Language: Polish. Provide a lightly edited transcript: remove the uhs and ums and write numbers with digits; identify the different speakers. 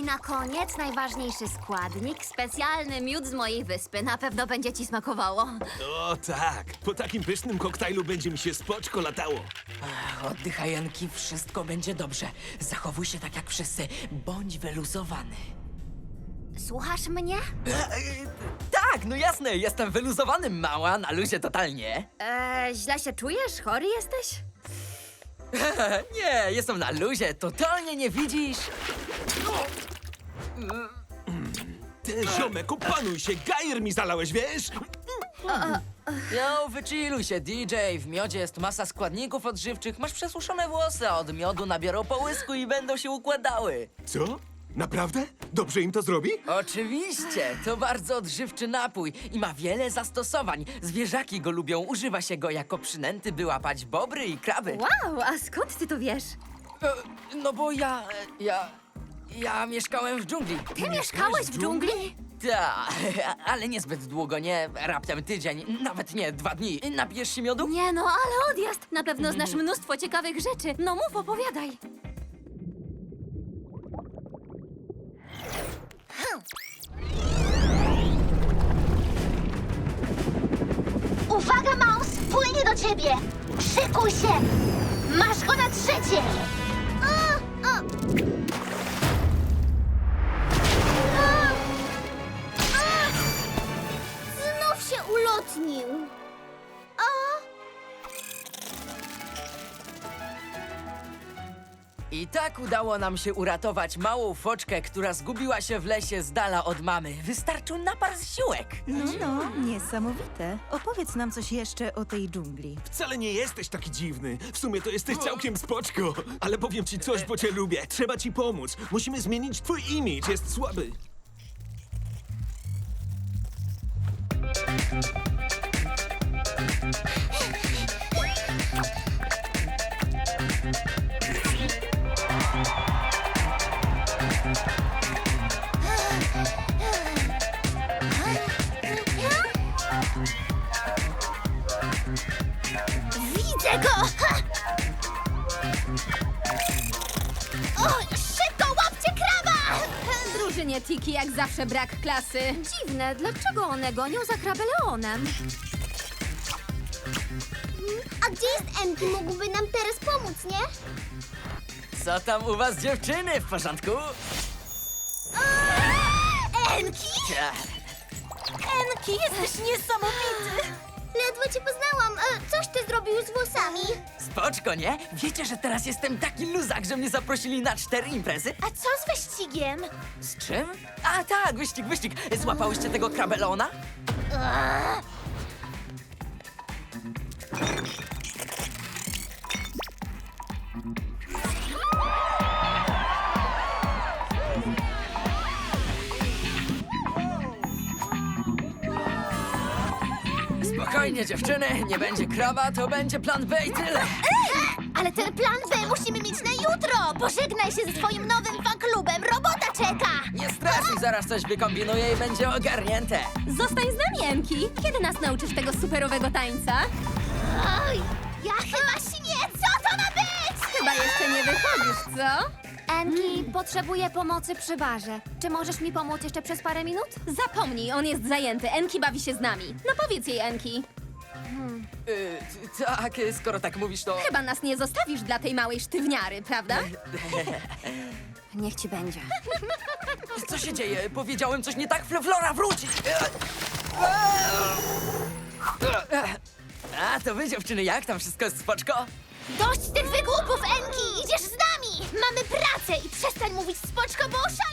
Speaker 1: na koniec najważniejszy składnik, specjalny miód z mojej wyspy. Na pewno będzie ci smakowało.
Speaker 2: O tak, po takim pysznym koktajlu będzie mi się spoczko latało.
Speaker 3: Oddychaj, Enki, wszystko będzie dobrze. Zachowuj się tak jak wszyscy. Bądź wyluzowany.
Speaker 1: Słuchasz mnie?
Speaker 3: Tak, no jasne, jestem wyluzowany, mała, na luzie totalnie.
Speaker 1: Źle się czujesz? Chory jesteś?
Speaker 3: Nie, jestem na luzie, totalnie nie widzisz?
Speaker 2: Ty, ziomek, opanuj się, gajer mi zalałeś, wiesz?
Speaker 3: Jo, wychilluj się, DJ. W miodzie jest masa składników odżywczych. Masz przesuszone włosy, a od miodu nabiorą połysku i będą się układały.
Speaker 2: Co? Naprawdę? Dobrze im to zrobi?
Speaker 3: Oczywiście, to bardzo odżywczy napój i ma wiele zastosowań. Zwierzaki go lubią, używa się go jako przynęty, by łapać bobry i kraby.
Speaker 1: Wow, a skąd ty to wiesz?
Speaker 3: No bo ja mieszkałem w dżungli.
Speaker 1: Ty mieszkałeś w dżungli?
Speaker 3: Tak, ale niezbyt długo, nie? Raptem tydzień, nawet nie 2 dni. Napijesz się miodu?
Speaker 1: Nie no, ale odjazd! Na pewno znasz mnóstwo ciekawych rzeczy. No mów, opowiadaj.
Speaker 4: Uwaga, Maus! Płynie do ciebie! Szykuj się! Masz go na trzecie! Znów się ulotnił!
Speaker 3: I tak udało nam się uratować małą foczkę, która zgubiła się w lesie z dala od mamy. Wystarczył napar siłek.
Speaker 5: No, niesamowite. Opowiedz nam coś jeszcze o tej dżungli.
Speaker 2: Wcale nie jesteś taki dziwny. W sumie to jesteś całkiem spoczko. Ale powiem ci coś, bo cię lubię. Trzeba ci pomóc. Musimy zmienić twój imidż, jest słaby.
Speaker 4: Widzę go! Ha! O, szybko łapcie kraba!
Speaker 1: Drużynie Tiki jak zawsze brak klasy. Dziwne, dlaczego one gonią za krabeleonem?
Speaker 4: A gdzie jest Enki? Mógłby nam teraz pomóc, nie?
Speaker 3: Co tam u was, dziewczyny? W porządku?
Speaker 4: Enki?
Speaker 3: Ja.
Speaker 4: Enki, jesteś niesamowity! Ledwo cię poznałam. Coś ty zrobił z włosami?
Speaker 3: Spoczko, nie? Wiecie, że teraz jestem taki luzak, że mnie zaprosili na 4 imprezy?
Speaker 4: A co z wyścigiem?
Speaker 3: Z czym? A tak, wyścig. Złapałyście tego krabelona? Spokojnie, dziewczyny, nie będzie kraba, to będzie plan B i tyle.
Speaker 4: Ale ten plan B musimy mieć na jutro! Pożegnaj się ze swoim nowym fanklubem, robota czeka!
Speaker 3: Nie stresuj, zaraz coś wykombinuję i będzie ogarnięte.
Speaker 1: Zostań z nami, Enki. Kiedy nas nauczysz tego superowego tańca?
Speaker 4: Oj, ja chyba śnię! Co to ma być?
Speaker 1: Chyba jeszcze nie wychodzisz, co? Enki, potrzebuję pomocy przy barze. Czy możesz mi pomóc jeszcze przez parę minut? Zapomnij, on jest zajęty. Enki bawi się z nami. No powiedz jej, Enki.
Speaker 3: Tak, skoro tak mówisz, to...
Speaker 1: Chyba nas nie zostawisz dla tej małej sztywniary, prawda? Niech ci będzie.
Speaker 3: Co się dzieje? Powiedziałem coś nie tak? Flora, wróci! A, to wy, dziewczyny, jak tam wszystko jest spoczko?
Speaker 4: Dość tych wygłupów, Enki! Idziesz z nami! Mamy pracę i przestań mówić spoczko, bo oszaleję!